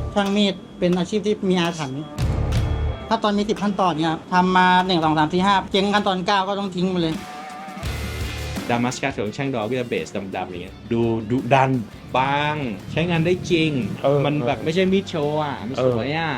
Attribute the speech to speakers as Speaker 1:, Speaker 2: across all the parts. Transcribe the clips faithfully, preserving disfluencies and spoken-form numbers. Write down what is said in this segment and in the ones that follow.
Speaker 1: ช่างมีดเป็นอาชีพที่มีอาถรรพ์ถ้าตอนมีสิบขั้นตอนเนี่ยทำมาหนึ่งสองสามสี่ห้าเจ๊งขั้นตอนเก้าก็ต้องทิ้งไปเลย
Speaker 2: ดามัสกัสของช่างดอก็จะเบสดำๆอย่างเงี้ยดูดุดันบางใช้งานได้จริงมันแบบไม่ใช่มีดโชว์อ่ะมันสวยอ่ะ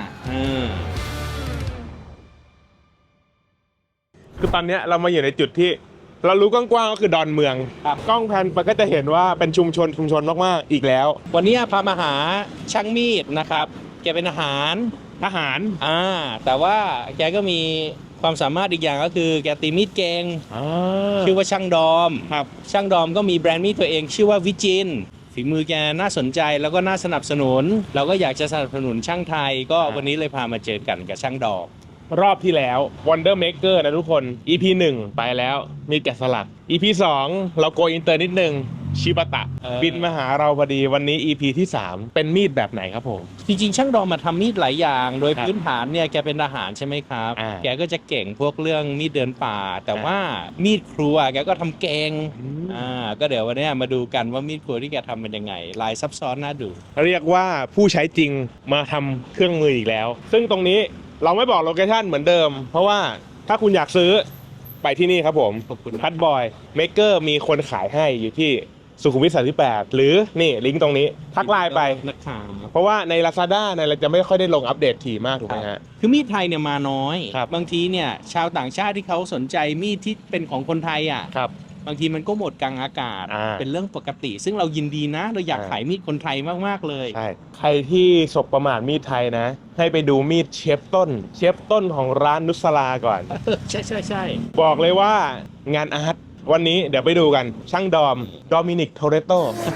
Speaker 3: คือตอนนี้เรามาอยู่ในจุดที่เรารู้กว้างๆก็คือดอนเมืองกล้องแพนไปก็จะเห็นว่าเป็นชุมชนชุมชนมากๆอีกแล้ว
Speaker 2: วันนี้พามาหาช่างมีดนะครับแกเป็นอาหาร
Speaker 3: ทหาร
Speaker 2: อ่าแต่ว่าแกก็มีความสามารถอีกอย่างก็คือแกตีมีดเก่งชื่อว่าช่างดอม
Speaker 3: ครับ
Speaker 2: ช่างดอมก็มีแบรนด์มีดตัวเองชื่อว่าวิจินฝีมือแกน่าสนใจแล้วก็น่าสนับสนุนเราก็อยากจะสนับสนุนช่างไทยก็วันนี้เลยพามาเจอกันกับช่างดอม
Speaker 3: รอบที่แล้ว Wonder Maker นะทุกคน อี พี หนึ่งไปแล้วมีแกะสลัก อี พี สองเราโกอินเตอร์นิดนึงชิบะตะบินมาหาเราพอดีวันนี้ อี พี ที่สามเป็นมีดแบบไหนครับผม
Speaker 2: จริงๆช่างดอมมาทำมีดหลายอย่างโดยพื้นฐานเนี่ยแกเป็นทหารใช่ไหมครับแกก็จะเก่งพวกเรื่องมีดเดินป่าแต่ว่ามีดครัวแกก็ทำเก่งอ่าก็เดี๋ยววันนี้มาดูกันว่ามีดครัวที่แกทำเป็นยังไงลายซับซ้อนน่าดู
Speaker 3: เรียกว่าผู้ใช้จริงมาทำเครื่องมืออีกแล้วซึ่งตรงนี้เราไม่บอกโลเคชั่นเหมือนเดิมเพราะว่าถ้าคุณอยากซื้อไปที่นี่ครับผมพัดบอยเมกเกอร์มีคนขายให้อยู่ที่สุขุมวิทสามสิบแปดหรือนี่ลิงก์ตรงนี้ทักไลน์ไป
Speaker 2: นะครับ
Speaker 3: เพราะว่าใน Lazada เนี่ยเราจะไม่ค่อยได้ลงอัปเดตถี่มากถูกไหมฮะ
Speaker 2: คือมีดไทยเนี่ยมาน้อยบางทีเนี่ยชาวต่างชาติที่เขาสนใจมีดที่เป็นของคนไทยอ่ะบางทีมันก็หมดกลางอากาศเป็นเรื่องปกติซึ่งเรายินดีนะเราอยากขายมีดคนไทยมากๆเลย
Speaker 3: ใช่ใครที่สบประมาทมีดไทยนะให้ไปดูมีดเชฟต้นเชฟต้นของร้านนุสลาก่อน
Speaker 2: ใช่ใช่ใช่
Speaker 3: บอกเลยว่างานอาร์ตวันนี้เดี๋ยวไปดูกันช่างดอมโดมินิกโทเรโต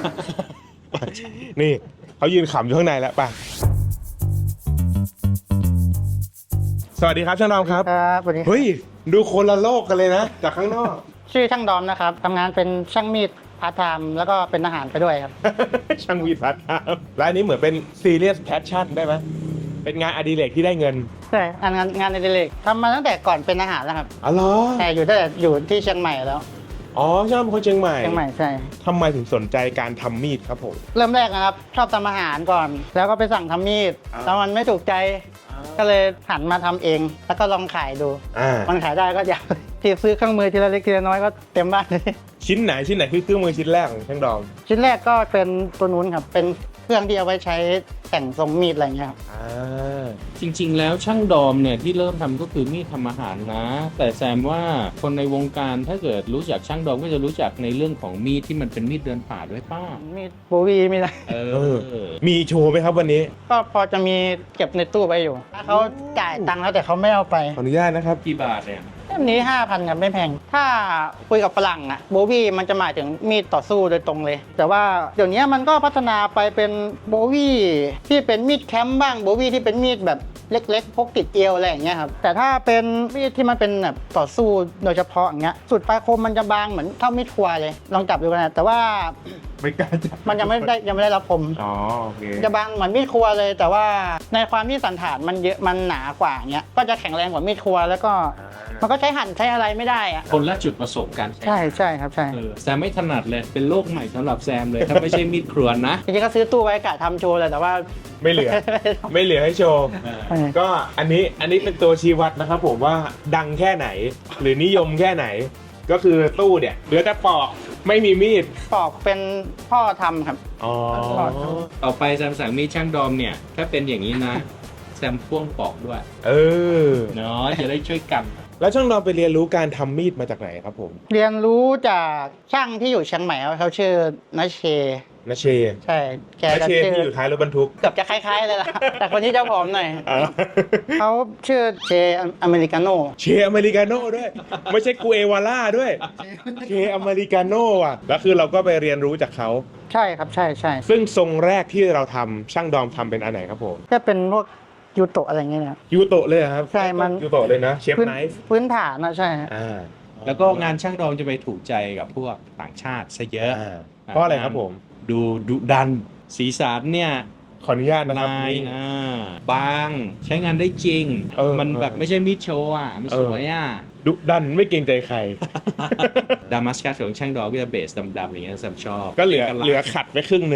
Speaker 3: นี่เขายืนขำอยู่ข้างในแล้วป่ะสวัสดีครับช่างดอมครับ
Speaker 1: ครับสวัสดี
Speaker 3: เฮ้ยดูคนละโลกกันเลยนะจากข้างนอก
Speaker 1: ชื่อช่างดอมนะครับทำงานเป็นช่างมีดพาร์ทไทม์แล้วก็เป็นอาหารไปด้วยครับ
Speaker 3: ช่างมีดพาร์ทไทม์และอันนี้เหมือนเป็นซีเรียสแพชชั่นได้ไหมเป็นงานอดิเรกที่ได้เงิน
Speaker 1: ใช่งานงานอดิเรกทำมาตั้งแต่ก่อนเป็นอาหารแล้วครับ
Speaker 3: อ๋อเหรอ
Speaker 1: แต่อยู่ตั้งแต่อยู่ที่เชียงใหม่แล้ว
Speaker 3: อ๋อช่างเป็นคนเชียงใหม่
Speaker 1: เชียงใหม่ใช่
Speaker 3: ทำไมถึงสนใจการทำมีดครับผม
Speaker 1: เริ่มแรกนะครับชอบทำอาหารก่อนแล้วก็ไปสั่งทำมีดแล้วมันไม่ถูกใจก็เลยหันมาทำเองแล้วก็ลองขายดูมันขายได้ก็อยากที่ซื้อเครื่องมือทีละเล็กทีละน้อยก็เต็มบ้านเลย
Speaker 3: ชิ้นไหนชิ้นไหนคือเครื่องมือชิ้นแรกของช่างดอม
Speaker 1: ชิ้นแรกก็เป็นตัวนู้นครับเป็นเครื่องที่เอาไว้ใช้แต่งทรงมีดอะไรเงี้ยครับ
Speaker 2: จริงๆแล้วช่างดอมเนี่ยที่เริ่มทำก็คือมีดทำอาหารนะแต่แซมว่าคนในวงการถ้าเกิดรู้จักช่างดอมก็จะรู้จักในเรื่องของมีดที่มันเป็นมีดเดินป่าด้วยป้า
Speaker 1: มีดโบวีมีอะไร
Speaker 2: เออ
Speaker 3: มีโชว์ไหมครับวันนี้
Speaker 1: ก็พอจะมีเก็บในตู้ไว้อยู่เขาจ่ายตังค์แล้วแต่เขาไม่เอาไป
Speaker 3: ขออนุญาตนะครับ
Speaker 2: กี่บาทเนี่ย
Speaker 1: เล่มนี้ ห้าพัน ครับไม่แพงถ้าคุยกับฝรั่งอะโบวี่มันจะหมายถึงมีดต่อสู้โดยตรงเลยแต่ว่าเดี๋ยวนี้มันก็พัฒนาไปเป็นโบวี่ที่เป็นมีดแคมป์บ้างโบวี่ที่เป็นมีดแบบเล็กๆพกติดเอวอะไรอย่างเงี้ยครับแต่ถ้าเป็นมีดที่มันเป็นแบบต่อสู้โดยเฉพาะอย่างเงี้ยสุดปลายคมมันจะบางเหมือนเท่ามีดครัวเลยลองจับดูกันนะแต่ว่า
Speaker 3: ไม่กล้าจับ
Speaker 1: มันยังไม่ได้ยังไม่ได้รับคม
Speaker 3: อ๋อโอเค
Speaker 1: จะบางเหมือนมีดครัวเลยแต่ว่าในความที่สันฐานมันเยอะมันหนากว่าอย่างเงี้ยก็จะแข็งแรงกว่ามีดครัวแล้วก็มันก็ใช้หั่นใช้อะไรไม่ได้อะ
Speaker 2: คนละจุดประสบการณ์
Speaker 1: ใช่ใช่ครับใช่
Speaker 2: แซมไม่ถนัดเลยเป็นโลกใหม่สำหรับแซมเลยถ้าไม่ใช่มีดครัวนะ
Speaker 1: จริงๆก็ซื้อตู้ไว้กะทำโชว์เลยแต่ว่า
Speaker 3: ไม่เหลือไม่เหลือให้โชว์ก็อันนี้อันนี้เป็นตัวชี้วัดนะครับผมว่าดังแค่ไหนหรือนิยมแค่ไหนก็คือตู้เนี่ยเหลือแต่ปอกไม่มีมีด
Speaker 1: ปอกเป็นพ่อทำครับ
Speaker 3: อ๋อ
Speaker 2: ต่อไปแซมสั่งมีดช่างดอมเนี่ยถ้าเป็นอย่างนี้นะแซมพ่วงปอกด้วย
Speaker 3: เออ
Speaker 2: เนาะจะได้ช่วยกัน
Speaker 3: แล้วช่างดอมไปเรียนรู้การทำมีดมาจากไหนครับผม
Speaker 1: เรียนรู้จากช่างที่อยู่เชียงใหม่เขาชื่อนัชเช
Speaker 3: นัชเช
Speaker 1: ใช่
Speaker 3: แกนัชเชที่อยู่ท้ายรถบรรทุก
Speaker 1: เกือบจะคล้ายๆเลยล่ะแต่คนที่เจ้าผอมหน่อยเขาชื่อเชอเมริกาโน่
Speaker 3: เชอเมริกาโน่ด้วยไม่ใช่กูเอวาล่าด้วยเชอเมริกาโน่อ่ะแล้วคือเราก็ไปเรียนรู้จากเขา
Speaker 1: ใช่ครับใช่ใช่
Speaker 3: ซึ่งทรงแรกที่เราทำช่างดอมทำเป็นอันไหนครับผม
Speaker 1: ก็เป็นพวกยูโตะอะไรเงี้ยนะ
Speaker 3: ยูโตะเลยครับ
Speaker 1: ใช่มัน
Speaker 3: ยูโตะเลยนะเชฟไนฟ์
Speaker 1: พื้นฐานนะใช่
Speaker 3: อ่า
Speaker 2: แล้วก็งานช่างดอมจะไปถูกใจกับพวกต่างชาติซะเยอะ
Speaker 3: เพราะอะไรครับผม
Speaker 2: ดูดุดันสีสันเนี่ย
Speaker 3: ขออนุญาตนะครับ
Speaker 2: ลายอ่าบางใช้งานได้จริงมันแบบไม่ใช่มีดโชว์อ่ะมันสวยอ่ะ
Speaker 3: ดุดันไม่เกรงใจใคร
Speaker 2: ดามัสกัสของช่างดอมก็จะเบสดำๆอย่างเงี้ยแซมชอบ
Speaker 3: ก็เหลือเหลือขัดไปครึ่งนึง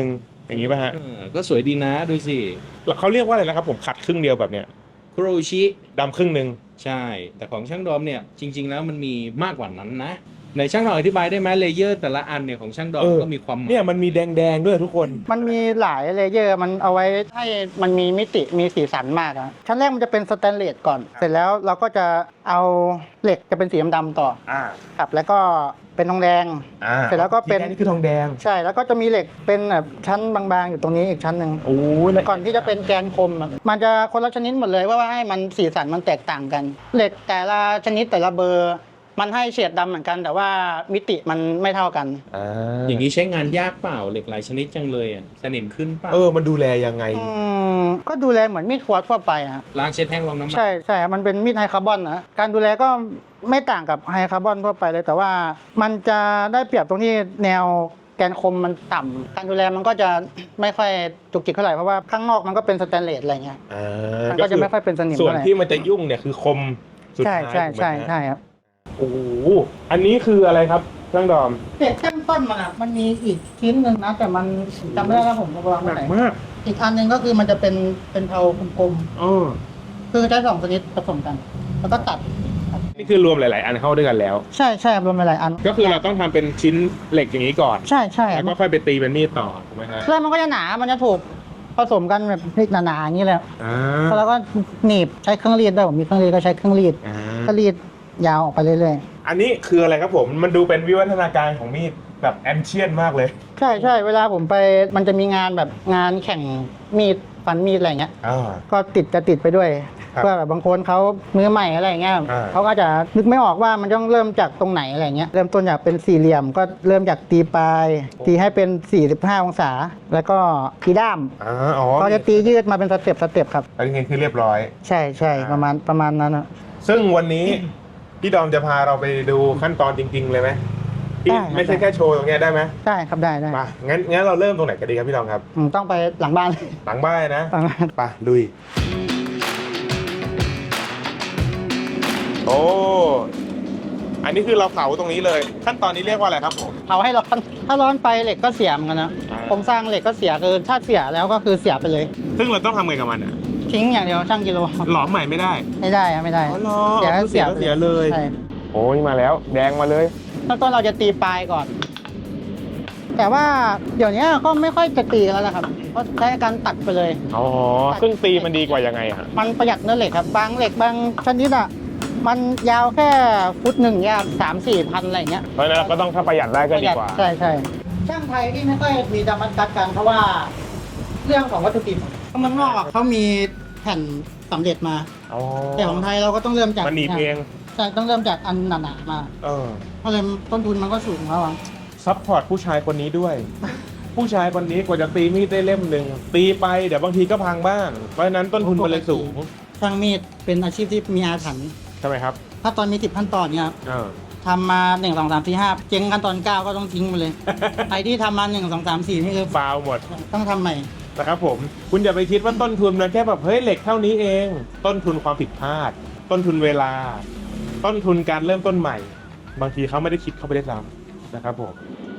Speaker 3: อย่างนี้ป่ะฮะ
Speaker 2: เออก็สวยดีนะดูสิ
Speaker 3: แล้วเขาเรียกว่าอะไรนะครับผมขัดครึ่งเดียวแบบเนี้ย
Speaker 2: คุโรชิ
Speaker 3: ดำครึ่งหนึ่ง
Speaker 2: ใช่ แต่ของช่างดอมเนี่ยจริง ๆ แล้วมันมีมากกว่านั้นนะในช่างดอมอธิบายได้ไหมเลเยอร์แต่ละอันเนี่ยของช่างดอมก็มีความหมาย
Speaker 3: เนี่ยมันมีแดงๆด้วยทุกคน
Speaker 1: มันมีหลายเลเยอร์มันเอาไว้ให้มันมีมิติมีสีสันมากอะชั้นแรกมันจะเป็นสแตนเลสก่อน เสร็จแล้วเราก็จะเอาเหล็กจะเป็นสีดำๆต่อ
Speaker 3: อ่า
Speaker 1: ครับแล้วก็เป็นทองแดง
Speaker 3: อ่า
Speaker 1: เสร็จแล้วก็เป็น
Speaker 3: สีดงนี่คือทองแดง
Speaker 1: ใช่แล้วก็จะมีเหล็กเป็นแบบชั้นบางๆอยู่ตรงนี้อีกชั้นหนึ่ง
Speaker 3: โอ้ยแล้ว
Speaker 1: ก่อนที่จะเป็นแกนคมอะมันจะคนละชนิดหมดเลยว่าว่าให้มันสีสันมันแตกต่างกัน เหล็กแต่ละชนิดแต่ละเบอร์ มันให้เฉดดำเหมือนกัน แต่ว่ามิติมันไม่เท่ากัน
Speaker 3: อ่า
Speaker 2: อย่างนี้ใช้งานยากเปล่าเหล็กหลายชนิดจังเลยอ่ะสนิมขึ้นเปล่า
Speaker 3: เออมันดูแลยังไง
Speaker 1: อืมก็ดูแลเหมือนมีดครัวทั่วไปอะ
Speaker 2: ล้างเช็ดแห้งรองน้ำมัน
Speaker 1: ใช่ใช่ครับมันเป็นมีดไฮคาร์บอนนะการดูแลก็ไม่ต่างกับไฮคาร์บอนทั่วไปเลย แต่ว่ามันจะได้เปรียบตรงที่แนวแกนคมมันต่ำการดูแลมันก็จะไม่ค่อยจุกจิกเท่าไหร่เพราะว่าข้างนอกมันก็เป็นสแตนเลสอะไรเงี้ย
Speaker 3: อ่า
Speaker 1: มันก็จะไม่ค่อยเป็นสนิม
Speaker 3: ส่วน
Speaker 1: เท่าไหร่
Speaker 3: ที่มันจะยุ่งเนี่ยคือคมสุด
Speaker 1: ใช่
Speaker 3: ท้าย
Speaker 1: ใช่
Speaker 3: ถูกไหม
Speaker 1: ใช่
Speaker 3: ฮะ
Speaker 1: ใช่ครับ
Speaker 3: โอ้โหอันนี้คืออะไรครับเครื่องดอม
Speaker 1: เด็กขั้นต้นมันอ่ะมันมีอีกชิ้นหนึ่งนะแต่มันจำไม่ได้แล้วผมจะวาง
Speaker 3: ห
Speaker 1: ไว้
Speaker 3: นัก
Speaker 1: ไหน
Speaker 3: มาก
Speaker 1: อีกอันหนึ่งก็คือมันจะเป็นเป็นเทากลม
Speaker 3: อ๋อ
Speaker 1: ๆคือใช้สองชนิดผสมกัน แล้วก็ตัด
Speaker 3: นี่คือรวมหลาย ๆ อันเข้าด้วยกันแล้ว
Speaker 1: ใช่ใช่รวมไปหลายอัน
Speaker 3: ก็คือเราต้องทำเป็นชิ้นเหล็กอย่างนี้ก่อน
Speaker 1: ใช่ใช่
Speaker 3: แล้วก็ค่อยไปตีเป็นมีดต่อถูกไหมฮะ
Speaker 1: เครื่องมันก็จะหนา มันจะถูกผสมกันแบบหนาๆอย่างนี้เลย
Speaker 3: อ่า
Speaker 1: แล้วก็หนีบใช้เครื่องรีดด้วยผมมีเครื่องรีดก็ใช้เครื่องรีด
Speaker 3: อ่า
Speaker 1: ก็รีดยาวออกไปเรื่อย
Speaker 3: อันนี้คืออะไรครับผมมันดูเป็นวิวัฒนาการของมีดแบบแอนเชียนมากเลย
Speaker 1: ๆ ใช่ใช่เวลาผมไปมันจะมีงานแบบงานแข่งมีดฟันมีดอะไรเงี้ย
Speaker 3: อ่า
Speaker 1: ก็ติดจะติดไปด้วย
Speaker 3: ครับ
Speaker 1: เพื่อแบบบางคนเขามือใหม่อะไรเงี้ย
Speaker 3: อ่า
Speaker 1: เขาก็จะนึกไม่ออกว่ามันต้องเริ่มจากตรงไหนอะไรเงี้ยเริ่มต้นจากเป็นสี่เหลี่ยม ก็เริ่มจากตีปลายตีให้เป็นสี่สิบห้าองศา แล้วก็ตีด้าม
Speaker 3: อ่าอ๋อ
Speaker 1: ก็จะตียืดมาเป็นสเต็ปสเต็ปครับ
Speaker 3: อันนี้คือเรียบร้อย
Speaker 1: ใช่ใช่ประมาณประมาณนั้นอะ
Speaker 3: ซึ่งวันนี้ พี่ดอมจะพาเราไปดูขั้นตอนจริง ๆ เลยไหมที่
Speaker 1: ได้ครับ
Speaker 3: ไม่ใช่แค่โชว์ตรงเนี้ยได้ไหม
Speaker 1: ได้ครับได้ได้
Speaker 3: มางั้นงั้นเราเริ่มตรงไหนกันดีครับพี่ดอมครับ
Speaker 1: อืมต้องไปหลังบ้าน
Speaker 3: หลังบ้านนะ
Speaker 1: หลังบ้าน
Speaker 3: ไปลุย โอ้ อันนี้คือเราเผาตรงนี้เลย ขั้นตอนนี้เรียกว่าอะไรครับผม
Speaker 1: เผาให้ร้อนถ้าร้อนไปเหล็กก็เสียเหมือนกันนะ
Speaker 3: อ่า
Speaker 1: โครงสร้างเหล็กก็เสียคือถ้าเสียแล้วก็คือเสียไปเลย
Speaker 3: ซึ่งเราต้องทำไงกับมันอ่ะ
Speaker 1: ทิ้งอย่างเดียวช่างกิโล
Speaker 3: หลอมใหม่ไม่ได้
Speaker 1: ไม่ได้อะไม่ได้
Speaker 3: อ๋อเหรอ
Speaker 1: เสียก็
Speaker 3: เสียก็เสียเลย
Speaker 1: ใช่
Speaker 3: โอ้ยมาแล้ว แดงมาเลย
Speaker 1: ตอนต้นเราจะตีปลายก่อน แต่ว่าเดี๋ยวนี้ก็ไม่ค่อยจะตีกันแล้วนะครับเพราะใช้การตัดไปเลย
Speaker 3: อ๋อซึ่งตีมันดีกว่ายังไงอะ
Speaker 1: มันประหยัดเนื้อเหล็กครับบางเหล็กบางชนิดอ่ะมันยาวแค่ฟุตหนึ่งยาวสามสี่พันอะไรอย่างเงี้ย
Speaker 3: เพราะฉะนั้นเราก็ต้องถ้าประหยัดได้ก็ดีกว่า
Speaker 1: ใช่ใช่ช่างไทยที่ไม่ค่อยมีจำกัดกันเพราะว่าเรื่องของวัตถุดิบเมืองนอกอะเขามีแผ่นสำเร็จมา
Speaker 3: อ๋อ
Speaker 1: แต่ของไทยเราก็ต้องเริ่มจาก
Speaker 3: มันหนีบเอง
Speaker 1: ใช่ต้องเริ่มจากอันหนาๆมา
Speaker 3: เออ
Speaker 1: เพราะเลยต้นทุนมันก็สูงแล้วอะ
Speaker 3: ซัพพอร์ตผู้ชายคนนี้ด้วย ผู้ชายคนนี้กว่าจะตีมีดได้เล่มหนึ่งตีไปเดี๋ยวบางทีก็พังบ้าง เพราะฉะนั้นต้นทุนมันเลยสูง
Speaker 1: ช่างมีดเป็นอาชีพที่มีอาถรรพ์
Speaker 3: ใช่ไหมครับ
Speaker 1: ถ้าตอนมีสิบขั้นตอนเนี่ยครับ
Speaker 3: เออ
Speaker 1: ทำมาหนึ่งสองสามสี่ห้าเจ๊งขั้นตอนเก้าก็ต้องทิ้งไป เลย ไอ้ที่ทำมาหนึ่งสองสามสี่นี่คือ
Speaker 3: ฟาวหมด
Speaker 1: ต้องทำใหม่
Speaker 3: นะครับผม คุณอย่าไปคิดว่าต้นทุนมันแค่แบบเฮ้ยเหล็กเท่านี้เอง ต้นทุนความผิดพลาด ต้นทุนเวลา ต้นทุนการเริ่มต้นใหม่ บางทีเขาไม่ได้คิดเข้าไปได้ซ้ำนะครับผม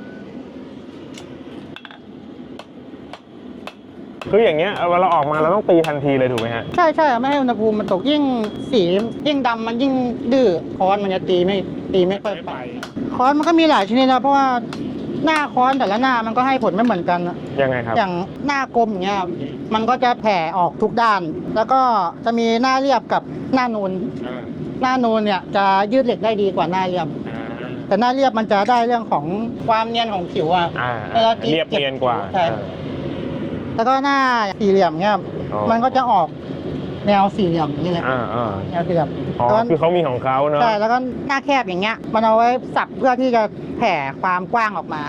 Speaker 3: คืออย่างเงี้ยเวลาออกมาเราต้องตีทันทีเลยถูกไหมฮะ
Speaker 1: ใช่ใช่ไม่ให้อุณหภูมิมันตกยิ่งสียิ่งดำมันยิ่งดื้อค้อนมันจะตีไม่ตีไม่ค่อยไปค้อนมันก็มีหลายชนิดนะเพราะว่าหน้าค้อนแต่ละหน้ามันก็ให้ผลไม่เหมือนกันอะ
Speaker 3: ยังไงครับ
Speaker 1: อย่างหน้ากลมอย่างเงี้ยมันก็จะแผ่ออกทุกด้าน แล้วก็จะมีหน้าเรียบกับหน้านูน
Speaker 3: อ่า
Speaker 1: หน้านูนเนี่ยจะยืดเหล็กได้ดีกว่าหน้าเรียบ
Speaker 3: อ่า
Speaker 1: แต่หน้าเรียบมันจะได้เรื่องของความเนียนของผิวอะ
Speaker 3: อ่า
Speaker 1: เวลาตี
Speaker 3: เรียบเนียนกว่า
Speaker 1: ใช่ แล้วก็หน้าสี่เหลี่ยมเนี่ย
Speaker 3: อ๋อ
Speaker 1: มันก็จะออกแนวสี่เหลี่ยมนี่แหละ
Speaker 3: อ่าอ่า
Speaker 1: แนวสี่เหลี่ยม
Speaker 3: อ๋อ
Speaker 1: แล้ว
Speaker 3: คือเขามีของเขาเนอะ
Speaker 1: ใช่แล้วก็หน้าแคบอย่างเงี้ย มันเอาไว้สับเพื่อที่จะแผ่ความกว้างออกมา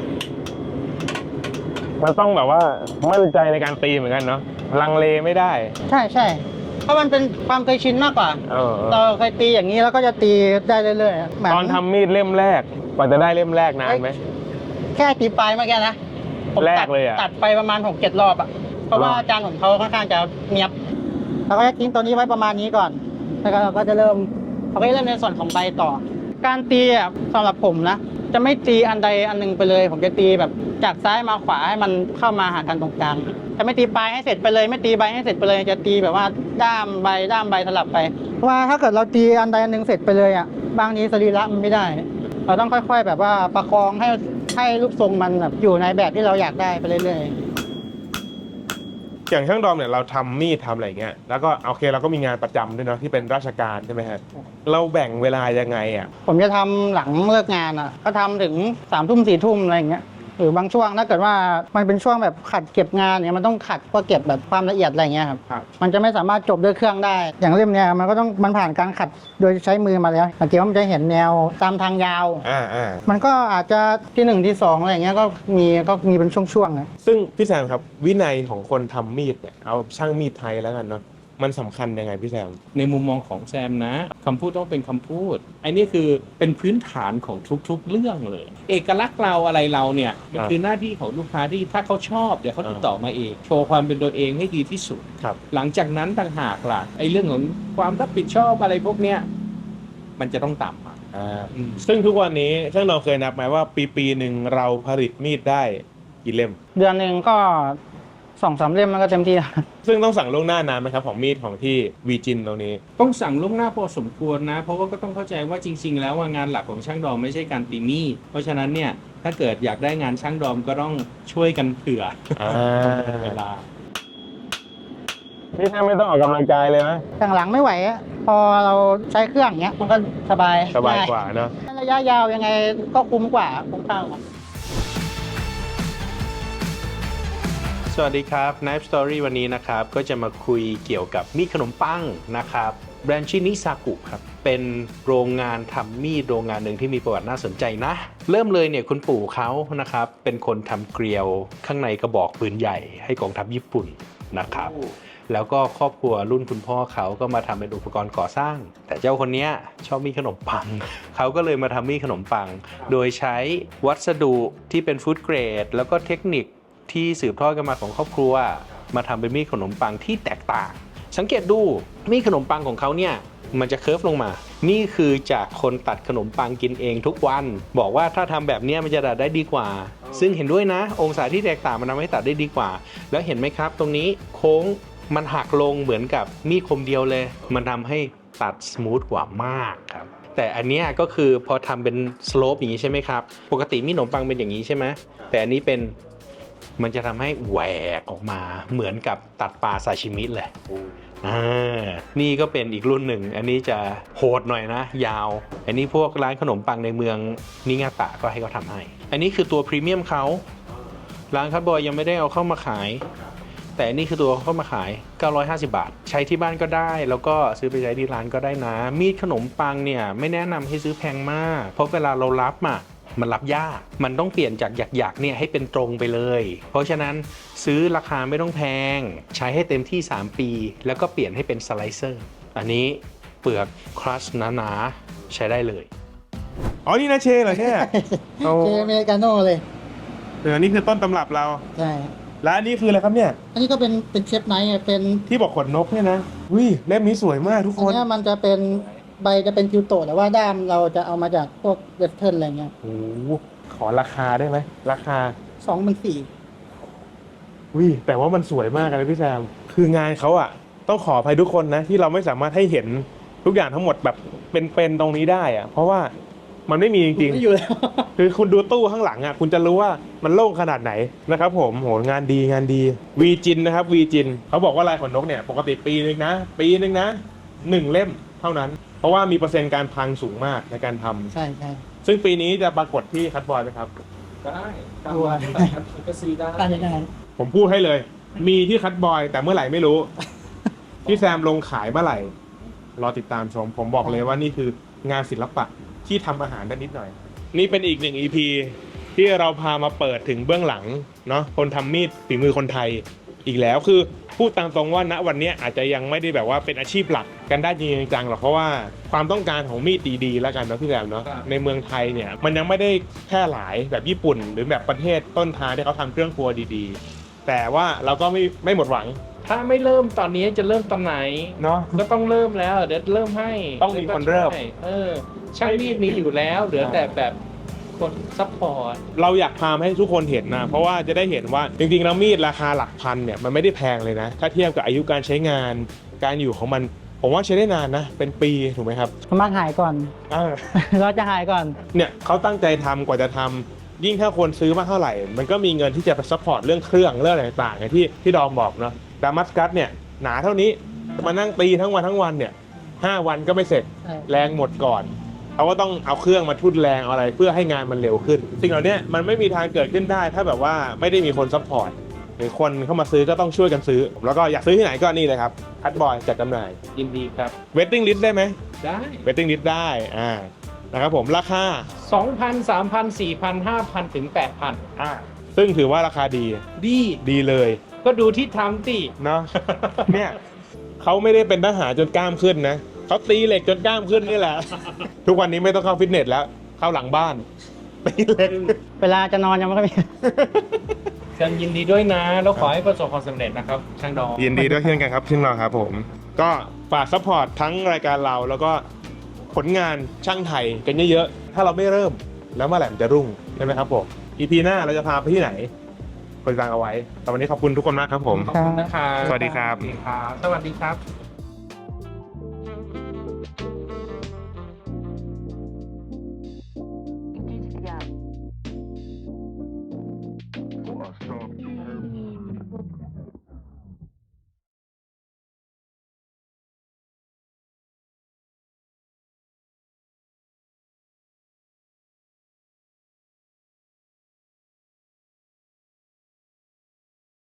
Speaker 3: มันต้องแบบว่ามั่นใจในการตีเหมือนกันเนาะลังเลไม่ได้
Speaker 1: ใช่ใช่เพราะมันเป็นความเคยชินมากกว่า
Speaker 3: เออ
Speaker 1: เราเคยตีอย่างนี้แล้วก็จะตีได้เรื่อยๆเหมื
Speaker 3: ตอนทำมีดเล่มแรกกว่าจะได้เล่มแรกนานไหม
Speaker 1: แค่ตีปลายเมื่อกี้นะผม
Speaker 3: แร
Speaker 1: ตั
Speaker 3: ก
Speaker 1: ด
Speaker 3: เลยอะ
Speaker 1: ตัดไปประมาณหกเจ็ดรอบอะเพราะว่า
Speaker 3: หรอ
Speaker 1: อาจารย์ของเขาค่อนข้างจะเนียบเราก็จะทิ้งตัวนี้ไว้ประมาณนี้ก่อนแล้วก็เราก็จะเริ่มเราก็จะเริ่มในส่วนของใบต่อ การตีอะสำหรับผมนะจะไม่ตีอันใดอันหนึ่งไปเลย ผมจะตีแบบจากซ้ายมาขวาให้มันเข้ามาหากันตรงกลางจะไม่ตีปลายให้เสร็จไปเลย ไม่ตีใบให้เสร็จไปเลย จะตีแบบว่าด้ามใบด้ามใบสลับไปเพราะว่าถ้าเกิดเราตีอันใดอันหนึ่งเสร็จไปเลยอ่ะบางทีสรีระมันไม่ได้ เราต้องค่อยๆแบบว่าประคองให้ให้รูปทรงมันแบบอยู่ในแบบที่เราอยากได้ไปเรื่อยๆ
Speaker 3: อย่างช่างดอมเนี่ยเราทำมีดทำอะไรเงี้ยแล้วก็โอเคเราก็มีงานประจำด้วยเนาะที่เป็นราชการใช่ไหมฮะเราแบ่งเวลายังไงอ่ะ
Speaker 1: ผมจะทำหลังเลิกงานอ่ะก็ทำถึงสามทุ่มสี่ทุ่มอะไรอย่างเงี้ยหรือบางช่วงถ้าเกิดว่ามันเป็นช่วงแบบขัดเก็บงานเนี่ยมันต้องขัดเพื่อเก็บแบบความละเอียดอะไรเงี้ยครับ
Speaker 3: ครับ
Speaker 1: มันจะไม่สามารถจบด้วยเครื่องได้ อย่างเล่มเนี้ยมันก็ต้องมันผ่านการขัดโดยใช้มือมาแล้วสังเกตว่ามันจะเห็นแนวตามทางยาว
Speaker 3: อ่าอ่า
Speaker 1: มันก็อาจจะที่หนึ่งที่สองอะไรอย่างเงี้ยก็มีก็มีเป็นช่วงๆนะ
Speaker 3: ซึ่งพี่แซมครับวินัยของคนทำมีดเนี่ยเอาช่างมีดไทยแล้วกันเนาะมันสำคัญยังไงพี่แซม
Speaker 2: ในมุมมองของแซมนะคำพูดต้องเป็นคำพูดไอ้นี่คือเป็นพื้นฐานของทุกๆเรื่องเลย เอกลักษณ์เราอะไรเราเนี่ยมัน
Speaker 3: ครับ
Speaker 2: คือหน้าที่ของลูกค้าที่ถ้าเขาชอบเดี๋ยวเขาติดต่อมาเองโชว์ความเป็นตัวเองให้ดีที่สุด
Speaker 3: ครับ
Speaker 2: หลังจากนั้นต่างหากล่ะไอ้เรื่องของความรับผิดชอบอะไรพวกเนี้ยมันจะต้องต่ำอ่ะ
Speaker 3: อ่าซึ่งทุกวันนี้ช่างดอมเคยนับไหมว่าปีปีหนึ่งเราผลิตมีดได้กี่เล่ม
Speaker 1: เดือนหนึ่งก็สองสามเล่มมันก็เต็มที่
Speaker 3: ซึ่งต้องสั่งล่วงหน้านานไหมครับของมีดของที่วีจินตรงนี้
Speaker 2: ต้องสั่งล่วงหน้าพอสมควรนะ เพราะว่าก็ต้องเข้าใจว่าจริง ๆ แล้วว่างานหลักของช่างดอมไม่ใช่การตีมีดเพราะฉะนั้นเนี่ยถ้าเกิดอยากได้งานช่างดอมก็ต้องช่วยกันเผื่อ
Speaker 3: อ่า
Speaker 2: เวลา
Speaker 3: พี่แซมไม่ต้องออกกำลังกายเลยนะ
Speaker 1: หลังๆไม่ไหวอะพอเราใช้เครื่องเงี้ยมันก็สบาย
Speaker 3: สบายกว่าเนาะ
Speaker 1: ระยะยาวยังไงก็คุ้มกว่าคุ้มค่ากว่า
Speaker 2: สวัสดีครับ Knife Story วันนี้นะครับก็จะมาคุยเกี่ยวกับมีดขนมปังนะครับแบรนด์ชื่อนิซากุครับเป็นโรงงานทำมีดโรงงานหนึ่งที่มีประวัติน่าสนใจนะเริ่มเลยเนี่ยคุณปู่เขานะครับเป็นคนทำเกลียวข้างในกระบอกปืนใหญ่ให้กองทัพญี่ปุ่นนะครับแล้วก็ครอบครัวรุ่นคุณพ่อเขาก็มาทำเป็นอุปกรณ์ก่อสร้าง แต่เจ้าคนนี้ชอบมีดขนมปัง เขาก็เลยมาทำมีดขนมปัง โดยใช้วัสดุที่เป็นฟู้ดเกรดแล้วก็เทคนิคที่สืบทอดกันมาของครอบครัวมาทำเป็นมีดขนมปังที่แตกต่าง สังเกตดูมีดขนมปังของเขาเนี่ยมันจะเคิร์ฟลงมา นี่คือจากคนตัดขนมปังกินเองทุกวันบอกว่าถ้าทำแบบนี้มันจะตัดได้ดีกว่า ซึ่งเห็นด้วยนะองศาที่แตกต่างมันทำให้ตัดได้ดีกว่า แล้วเห็นไหมครับตรงนี้โค้งมันหักลงเหมือนกับมีดคมเดียวเลย มันทำให้ตัดสมูทกว่ามากครับแต่อันเนี้ยก็คือพอทำเป็นสโลปอย่างนี้ใช่ไหมครับปกติมีดขนมปังเป็นอย่างนี้ใช่ไหมแต่อันนี้เป็นมันจะทำให้แหวกออกมาเหมือนกับตัดปลาซาชิมิเลยอ่านี่ก็เป็นอีกรุ่นหนึ่งอันนี้จะโหดหน่อยนะยาวอันนี้พวกร้านขนมปังในเมืองนิงาตะก็ให้เขาทำให้อันนี้คือตัวพรีเมียมเขาร้านคัตบอยยังไม่ได้เอาเข้ามาขายแต่อันนี้คือตัวเข้ามาขายเก้าร้อยห้าสิบบาทใช้ที่บ้านก็ได้แล้วก็ซื้อไปใช้ที่ร้านก็ได้นะมีดขนมปังเนี่ยไม่แนะนำให้ซื้อแพงมากเพราะเวลาเรารับอ่ะมันรับยากมันต้องเปลี่ยนจากหยักๆเนี่ยให้เป็นตรงไปเลยเพราะฉะนั้นซื้อราคาไม่ต้องแพงใช้ให้เต็มที่สามปีแล้วก็เปลี่ยนให้เป็นสไลเซอร์อันนี้เปลือกครัชหนาๆใช้ได้เลย
Speaker 3: อ๋อนี่นะเชเหรอเนี่ย โอ้
Speaker 1: เจอเมริกาโน่เลย
Speaker 3: เดี๋ยวนี่คือต้นตำรับเรา
Speaker 1: ใช่
Speaker 3: และอันนี้คืออะไรครับเนี่ย
Speaker 1: อันนี้ก็เป็นเป็นเชฟไนท์อะเป็น
Speaker 3: ที่บอกขนนกเนี่ยนะวิเล่มนี้สวยมากทุก
Speaker 1: อั
Speaker 3: คน น
Speaker 1: เนี้ยมันจะเป็นใบจะเป็นคิวโตะแต่ว่าด้ามเราจะเอามาจากพวกเวสเทิร์นอะไรเงี้ย
Speaker 3: โอ้โหขอราคาได้ไหมราคา
Speaker 1: สองเป็นสี่
Speaker 3: วิแต่ว่ามันสวยมากเลยพี่แซมคืองานเขาอะต้องขออภัยทุกคนนะที่เราไม่สามารถให้เห็นทุกอย่างทั้งหมดแบบเป็นๆตรงนี้ได้อะเพราะว่ามันไม่มีจริง
Speaker 1: ไม่อยู่แล้ว
Speaker 3: ๆคือคุณดูตู้ข้างหลังอะคุณจะรู้ว่ามันโล่งขนาดไหนนะครับผมโหงานดีงานดีวีจินนะครับวีจินเขาบอกว่าลายขนนกเนี่ยปกติปีนึงนะปีนึงนะหนึ่งเล่มเท่านั้น เพราะว่ามีเปอร์เซ็นต์การพังสูงมากในการทำ
Speaker 1: ใช่ใช่
Speaker 3: ซึ่งปีนี้จะปรากฏที่คัตบอยไหมครับ
Speaker 2: ได้ตาม
Speaker 1: ตัว
Speaker 2: ก็ซื้อได้
Speaker 1: การยังไง
Speaker 3: ผมพูดให้เลย มีที่คัตบอยแต่เมื่อไหร่ไม่รู้ พี่แซมลงขายเมื่อไหร่รอติดตามชม ผมบอกเลยว่านี่คืองานศิลปะที่ทำอาหารได้นิดหน่อย นี่เป็นอีกหนึ่ง อี พี ที่เราพามาเปิดถึงเบื้องหลังเนาะคนทำมีดฝีมือคนไทยอีกแล้วคือพูดตามตรงว่าณวันนี้อาจจะยังไม่ได้แบบว่าเป็นอาชีพหลักกันได้จริงจังหรอกเพราะว่าความต้องการของมีดดีๆแล้วกันเนาะพี่แซมเนาะในเมืองไทยเนี่ยมันยังไม่ได้แพร่หลายแบบญี่ปุ่น หรือแบบประเทศต้นทางที่เขาทำเครื่องครัวดีๆ แต่ว่าเราก็ไม่ไม่หมดหวัง
Speaker 2: ถ้าไม่เริ่มตอนนี้จะเริ่มตอนไหน
Speaker 3: เนาะ
Speaker 2: ก็ต้องเริ่มแล้วเดี๋ยวเริ่มให้
Speaker 3: ต้องมีคนเริ่ม
Speaker 2: เออช่างมีดมีอยู่แล้วเหลือแต่แบบคคนซัพพอร์ต
Speaker 3: เราอยากพาให้ทุกคนเห็นนะเพราะว่าจะได้เห็นว่าจริงๆแล้วมีดราคาหลักพันเนี่ยมันไม่ได้แพงเลยนะถ้าเทียบกับอายุการใช้งานการอยู่ของมันผมว่าใช้ได้นานนะเป็นปีถูกไหมครับ
Speaker 1: สามารถหายก่อน
Speaker 3: อ่า
Speaker 1: เราจะหายก่อน
Speaker 3: เนี่ยเขาตั้งใจทำกว่าจะทำยิ่งถ้าคนซื้อมากเท่าไหร่ มันก็มีเงินที่จะไปซัพพอร์ตเรื่องเครื่องเรื่องอะไรต่างๆอย่างที่ที่ดอมบอกเนาะดามัสกัสเนี่ยหนาเท่านี้มานั่งตีทั้งวันทั้งวันเนี่ยห้าวันก็ไม่เสร็จ
Speaker 1: ใช่
Speaker 3: แรงหมดก่อนเขาก็ต้องเอาเครื่องมาทุ่นแรงเอาอะไรเพื่อให้งานมันเร็วขึ้นสิ่งเหล่านี้มันไม่มีทางเกิดขึ้นได้ ถ้าแบบว่าไม่ได้มีคนซัพพอร์ตหรือคนเข้ามาซื้อก็ต้องช่วยกันซื้อแล้วก็อยากซื้อที่ไหนก็นี่เลยครับคัทบอยจัดจำหน่าย
Speaker 2: ยินดีครับ
Speaker 3: เวทติ้งลิสต์ได้ไหม
Speaker 2: ได้
Speaker 3: เวทติ้งลิสต์ได้อ่านะครับผมราคา
Speaker 2: สองพัน สามพัน สี่พัน ห้าพัน ถึง แปดพัน
Speaker 3: อ่าซึ่งถือว่าราคาดี
Speaker 2: ดี
Speaker 3: ดีเลย
Speaker 2: ก็ดูที่ทำสิ
Speaker 3: เนาะ เนี่ยเขาไม่ได้เป็นทหารจนกล้ามขึ้นนะเขาตีเหล็กจนกล้ามขึ้นนี่แหละ ทุกวันนี้ไม่ต้องเข้าฟิตเนสแล้ว เข้าหลังบ้านตีเหล็ก
Speaker 1: เวลาจะนอนยังไม่ค่อยมี
Speaker 2: เชิญยินดีด้วยนะ แล้วขอให้ประสบความสำเร็จนะครับ ช่างดอง
Speaker 3: ยินดีด้วยเช่นกันครับที่เราครับผม ก็ฝากซัพพอร์ตทั้งรายการเราแล้วก็ผลงานช่างไทยกันเยอะๆ ถ้าเราไม่เริ่มแล้วเมื่อไหร่มันจะรุ่งใช่ไหมครับผม อี พี หน้าเราจะพาไปที่ไหนกดติดตามเอาไว้แต่วันนี้ขอบคุณทุกคนมากครับผม
Speaker 2: ขอบคุณนะครับ
Speaker 3: สวัสดีครับ
Speaker 2: สวัสดีครับ สวัสดีครับ